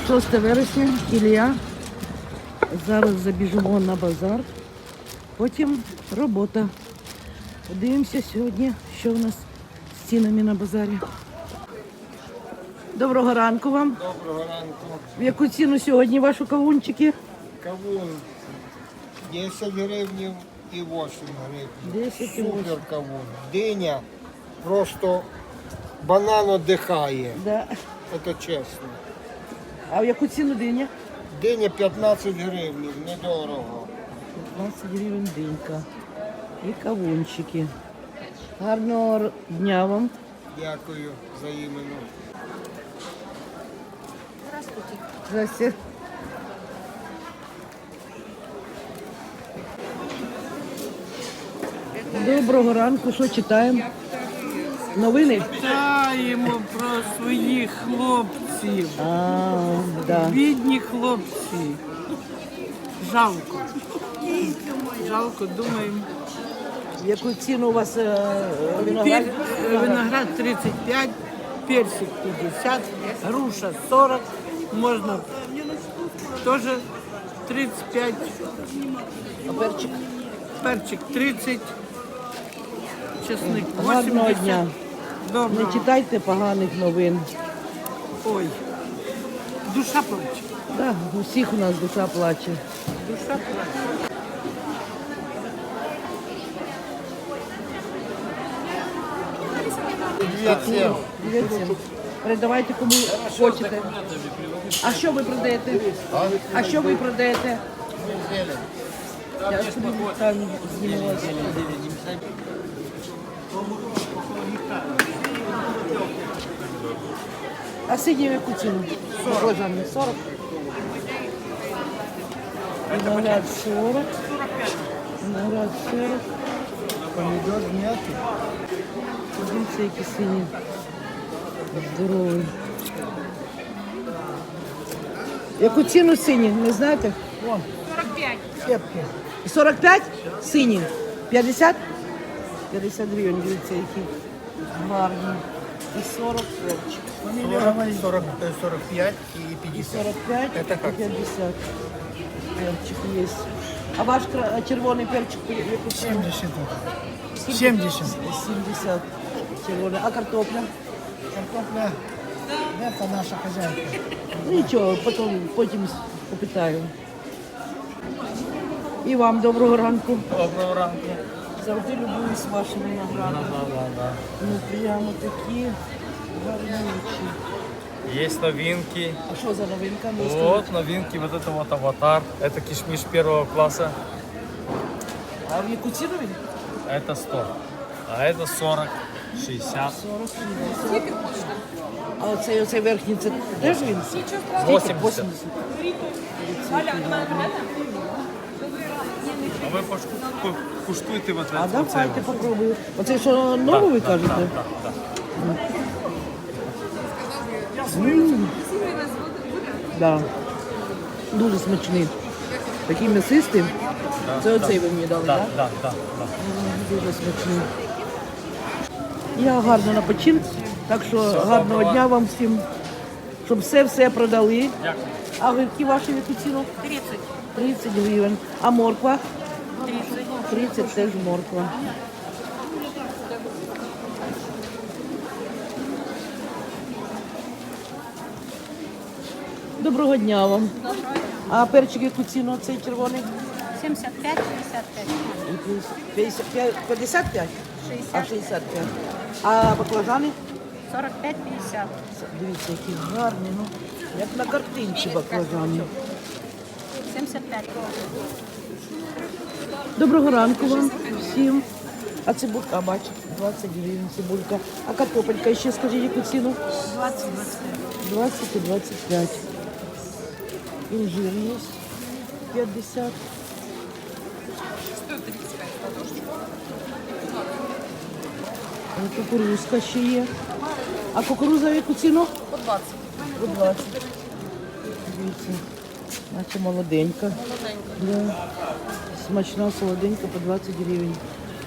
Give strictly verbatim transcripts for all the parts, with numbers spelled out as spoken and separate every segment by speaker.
Speaker 1: шосте вересня, Ілля. Зараз забіжимо на базар. Потім робота. Подивимося сьогодні, що у нас з цінами на базарі. Доброго ранку вам.
Speaker 2: Доброго ранку.
Speaker 1: В яку ціну сьогодні ваші кавунчики?
Speaker 2: Кавун десять гривень і вісім гривень.
Speaker 1: десять і вісім.
Speaker 2: Супер кавун. Диня просто банан отдихає.
Speaker 1: Да.
Speaker 2: Це чесно.
Speaker 1: А в яку ціну диня?
Speaker 2: Диня п'ятнадцять гривень, недорого.
Speaker 1: п'ятнадцять гривень динька. І кавунчики. Гарного дня вам.
Speaker 2: Дякую взаємно.
Speaker 1: Здрасте. Доброго ранку, що читаємо? Новини?
Speaker 3: Читаємо про своїх хлопців.
Speaker 1: А, да.
Speaker 3: Бідні хлопці. Жалко. Жалко, думаємо.
Speaker 1: В яку ціну у вас е, виноград?
Speaker 3: Пер- Виноград тридцять п'ять, персик п'ятдесят, груша сорок, можна теж тридцять п'ять,
Speaker 1: А перчик?
Speaker 3: перчик тридцять, чесник
Speaker 1: Гарного
Speaker 3: вісімдесят.
Speaker 1: дня. Не
Speaker 3: Доброго.
Speaker 1: читайте поганих новин.
Speaker 3: Ой, душа плаче.
Speaker 1: Да, у всіх у нас душа плаче.
Speaker 3: Душа плаче.
Speaker 2: Привіт всім.
Speaker 1: Привіт всім. Передавайте кому хочете. А що ви продаєте? А що ви продаєте? Я собі там знімалася. А сидів яку ціну? Баклажани сорок. Виноград сорок. Виноград сорок.
Speaker 2: Помідор зняти.
Speaker 1: Дивіться, які сині. Здоровий. Яку ціну сині, не знаєте? Вон.
Speaker 4: сорок п'ять.
Speaker 2: Кепки.
Speaker 1: сорок п'ять сині. п'ятдесят? п'ятдесят гривень, дивіться, які гарні. І сорок перчик.
Speaker 2: сорок, сорок, сорок п'ять і
Speaker 1: І
Speaker 2: п'ятдесят.
Speaker 1: сорок п'ять,
Speaker 2: Это
Speaker 1: і
Speaker 2: как?
Speaker 1: п'ятдесят. Перчик є. А ваш кра- червоний перчик яку ціну?
Speaker 2: семьдесят.
Speaker 1: Скільки?
Speaker 2: сімдесят.
Speaker 1: сімдесят червоний. А картопля?
Speaker 2: Картопля. Це наша хазяйка.
Speaker 1: Ну нічого, потім, потім попитаю. І вам доброго ранку.
Speaker 5: Доброго ранку.
Speaker 1: Завжди любуюсь вашим виноградом. Ну прямо такі гарнючі.
Speaker 5: Есть новинки.
Speaker 1: А що за новинка? Ну, скажіть.
Speaker 5: Вот новинки, вот это вот аватар. Это кишмиш первого класса.
Speaker 1: А в яку ціну він?
Speaker 5: Это сто. А это сорок, шестьдесят.
Speaker 1: сорок шістдесят. А оцей, оцей верхній, це теж він?
Speaker 5: восемьдесят.
Speaker 1: вісімдесят.
Speaker 5: А ви пошку- по- куштуйте вот
Speaker 1: А
Speaker 5: это.
Speaker 1: давайте попробую. Оце що нове ви кажете? М. Да. Дуже смачний. Такий м'ясистий. Це оцей ви мені дали,
Speaker 5: Да,
Speaker 1: так?
Speaker 5: да, да, да.
Speaker 1: Дуже смачний. Я гарно на почин, так що гарного
Speaker 5: доброго.
Speaker 1: дня вам всім, щоб все-все продали.
Speaker 5: Дякую.
Speaker 1: А гривки ваші в яку ціну?
Speaker 4: тридцять.
Speaker 1: тридцять гривень. А морква?
Speaker 4: тридцять.
Speaker 1: тридцять теж морква. Доброго дня вам. А перчик яку ціну цей червоний?
Speaker 4: сімдесят п'ять, п'ятдесят п'ять.
Speaker 1: п'ятдесят п'ять? п'ятдесят п'ять? А
Speaker 4: шістдесят.
Speaker 1: шістдесят п'ять. А баклажани?
Speaker 4: сорок п'ять, п'ятдесят.
Speaker 1: Дивіться, які гарні, ну, як на картинці баклажани.
Speaker 4: сімдесят п'ять.
Speaker 1: Доброго ранку вам всім. А цибулька, бачите, двадцять гривень цибулька. А картопелька ще скажіть, яку ціну?
Speaker 4: двадцять, двадцять п'ять.
Speaker 1: двадцять і двадцять п'ять. Інжир є п'ятдесят. А кукурузка ще є. А кукуруза в яку ціну?
Speaker 4: По двадцять.
Speaker 1: По двадцять. Дивіться, наче молоденька. Да. Смачна, солоденька по двадцять гривень.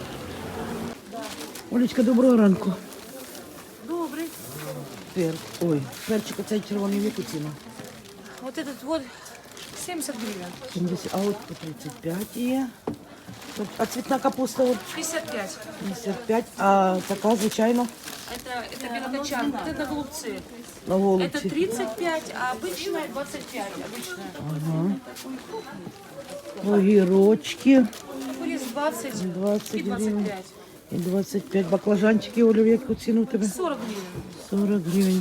Speaker 1: Олечка, доброго ранку.
Speaker 4: Добрий.
Speaker 1: Пер... Ой, перчик оцей червоний в яку ціну?
Speaker 6: Вот этот вот семьдесят гривен.
Speaker 1: сімдесят, а от по тридцять п'ять є. А цвітна капуста от
Speaker 6: пятьдесят пять.
Speaker 1: п'ятдесят п'ять, а така, звичайно,
Speaker 6: Это, это белокочан. Вот это голубцы.
Speaker 1: на
Speaker 6: Это
Speaker 1: голубці.
Speaker 6: тридцать пять, а обычная двадцать пять. Обычная.
Speaker 1: Огірочки
Speaker 6: Курис двадцать и
Speaker 1: двадцять
Speaker 6: двадцать
Speaker 1: гривень.
Speaker 6: пять.
Speaker 1: І двадцять п'ять. Баклажанчики, Оля, в яку ціну в тебе?
Speaker 6: сорок гривен.
Speaker 1: сорок гривень.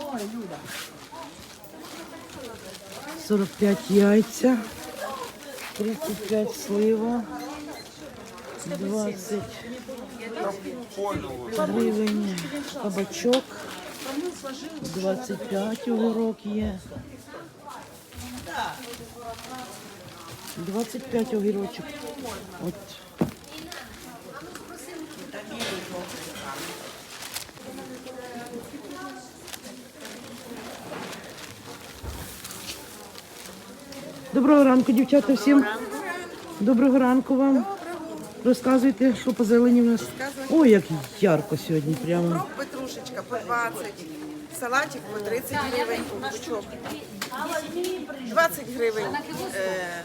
Speaker 1: сорок п'ять яйця. тридцять п'ять слива. двадцять гривень кабачок. двадцять п'ять огірок є. двадцять п'ять огірочок. От. Доброго ранку, дівчата, всім. Доброго ранку вам. Розказуйте, що по зелені в нас. Ой, як ярко сьогодні прямо.
Speaker 7: Кров петрушечка по двадцять, салатик по тридцять гривень, пучок. двадцать гривень е,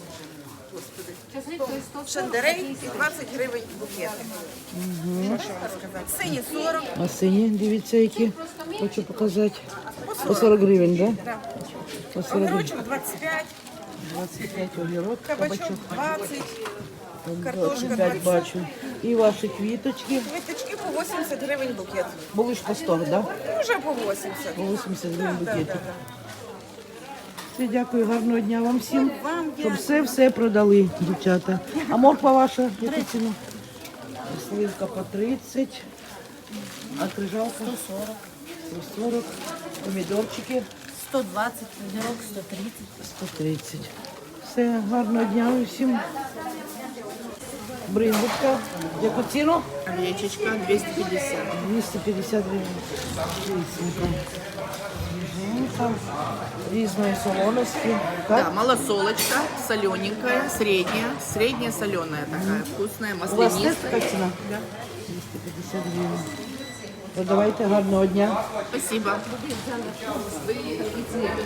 Speaker 7: шандерей і двадцять гривень букети. Що ще вам сказати? Сині сорок,
Speaker 1: А сині, дивіться, які. Хочу показати. По сорок гривень, так? Да? По сорок гривень.
Speaker 7: огірочок двадцять п'ять,
Speaker 1: двадцять п'ять огірок,
Speaker 7: кабачок
Speaker 1: кабачок.
Speaker 7: двадцять, картошка
Speaker 1: двадцять п'ять
Speaker 7: двадцять.
Speaker 1: бачу. І ваші квіточки.
Speaker 7: Квіточки по вісімдесят гривень букет.
Speaker 1: Були ж по сто, так? Да?
Speaker 7: Може по вісімдесят.
Speaker 1: По вісімдесят гривень
Speaker 7: Да, да,
Speaker 1: букетик.
Speaker 7: да.
Speaker 1: Все, дякую, гарного дня вам всім. Щоб все-все продали, дівчата. А морква ваша, яку ціну? Сливка по тридцять, а крижалка? сто сорок. сто сорок. Помідорчики?
Speaker 4: сто двадцать, огірок сто тридцать.
Speaker 1: сто тридцять. Все, гарного дня усім. Бриндочка, яку ціну?
Speaker 3: Гречечка двести пятьдесят.
Speaker 1: двісті п'ятдесят гривень. Різненько. Свіженька. Різної солоності.
Speaker 8: Да,
Speaker 1: Так?
Speaker 8: малосолочка, солененькая, средняя, средняя соленая такая, вкусная,
Speaker 1: У вас теж
Speaker 8: маслянистая.
Speaker 1: така ціна? двісті п'ятдесят гривень. Продавайте, гарного дня.
Speaker 8: Спасибо.